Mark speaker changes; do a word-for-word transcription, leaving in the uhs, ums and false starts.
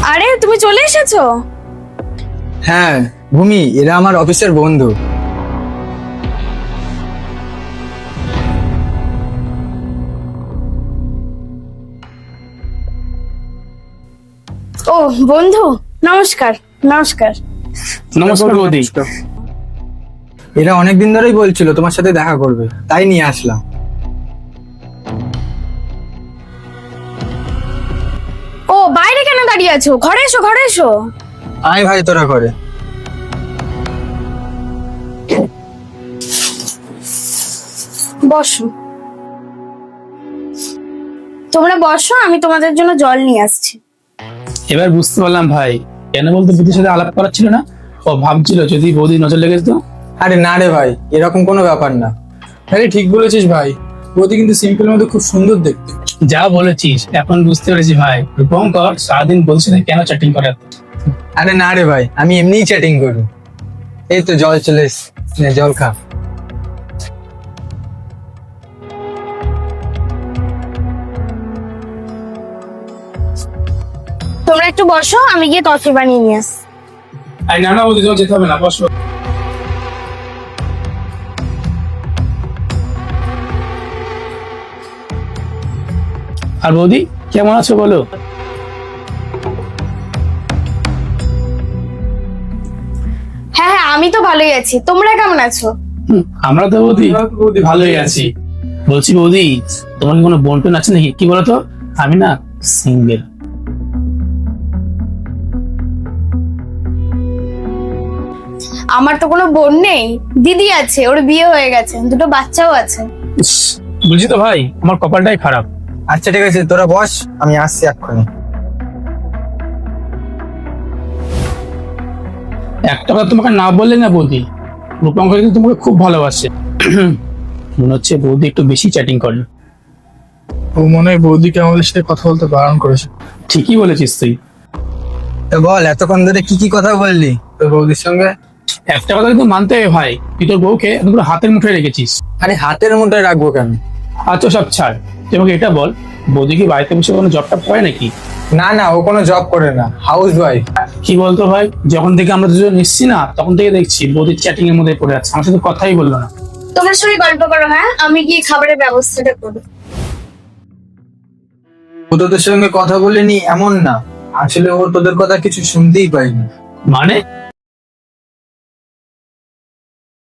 Speaker 1: আরে তুমি চলে এসেছো?
Speaker 2: হ্যাঁ ভূমি, এরা আমার অফিসের বন্ধু।
Speaker 1: ও বন্ধু, নমস্কার। নমস্কার।
Speaker 3: নমস্কার বৌদি।
Speaker 2: এরা অনেকদিন ধরেই বলছিল তোমার সাথে দেখা করবে, তাই নিয়ে আসলাম।
Speaker 1: ও বাইরে কেন দাঁড়িয়ে আছো? ঘরে এসো, ঘরে এসো।
Speaker 2: আয় ভাই, তোরা করে।
Speaker 1: বসো। তোমরা বসো, আমি তোমাদের জন্য জল নিয়ে আসছি।
Speaker 3: এবার বুঝতে পারলাম ভাই কেন বলতে বৌদির সাথে আলাপ করার ছিল না। ও ভাবছিল যদি বৌদি নজর লেগে যেত।
Speaker 2: আরে না রে ভাই, এরকম কোনো ব্যাপার না।
Speaker 4: আরে ঠিক বলেছিস ভাই, বৌদি কিন্তু সিম্পল মধ্যে খুব সুন্দর দেখতে।
Speaker 3: যা বলেছিস এখন বুঝতে পেরেছি ভাই, রূপঙ্কর সারাদিন বলছি না কেন চ্যাটিং করে।
Speaker 2: আরে না রে ভাই, আমি এমনিই চ্যাটিং করি। এই তো জল চলে এসছে, নে জল খা।
Speaker 1: তোমরা একটু বসো, আমি গিয়ে কফি বানিয়ে নিয়ে আসছি।
Speaker 3: আরে না না বৌদি, তোমার যেতে হবে না, বসো। আর বৌদি কেমন আছো বলো?
Speaker 1: হ্যাঁ হ্যাঁ, আমি তো ভালোই আছি। তোমরা কেমন আছো?
Speaker 3: হুম, আমরা তো বৌদি
Speaker 4: বৌদি
Speaker 3: ভালোই আছি। বলছি বৌদি, তোমার কি কোনো বোন টোন আছে নাকি? কি বলতো, আমি না সিঙ্গেল।
Speaker 1: আমার তো কোনো বোন নেই, দিদি আছে, ওর বিয়ে হয়ে গেছে, দুটো বাচ্চাও আছে।
Speaker 3: ইস, বুঝছি তো ভাই, আমার কপালটাই খারাপ।
Speaker 2: আচ্ছা ঠিক আছে, তোরা বস, আমি আসছি এক্ষুনি।
Speaker 3: একটা কথা তোমাকে না বললে না বৌদি, রূপঙ্কর কিন্তু তোমাকে খুব ভালোবাসে। মনে হচ্ছে বৌদি একটু বেশি চ্যাটিং করে।
Speaker 4: ও মনে হয় বৌদিকে আমাদের সাথে কথা বলতে বারণ করেছে।
Speaker 3: ঠিকই বলেছিস তুই।
Speaker 2: তো বল, এতক্ষণ ধরে কি কি কথা বললি তোর বৌদির সঙ্গে?
Speaker 3: একটা কথা কিন্তু মানতে হবে ভাই, তুই তোর বউকে একদম পুরো হাতের মুঠোয় রেখেছিস।
Speaker 2: আরে হাতের মুঠোয় রাখবো কেন?
Speaker 3: আচ্ছা সব ছাড়, তুই আমাকে এটা বল, বৌদি কি বাড়িতে বসে কোনো জব টপ করে নাকি?
Speaker 2: না না, ও কোনো জব করে না, হাউস ওয়াইফ।
Speaker 3: কি বলতো ভাই, যখন থেকে আমরা দুজন এসছি না তখন থেকে দেখছি বৌদির চ্যাটিং এর মধ্যে পড়ে আছে, আমার সাথে কথাই বললো না।
Speaker 1: তোমরা সবাই গল্প করো, হ্যাঁ আমি গিয়ে খাবারের ব্যবস্থাটা করবো।
Speaker 2: ও তোদের সঙ্গে কথা বলেনি এমন না, আসলে ও তোদের কথা কিছু শুনতেই পাইনি।
Speaker 3: মানে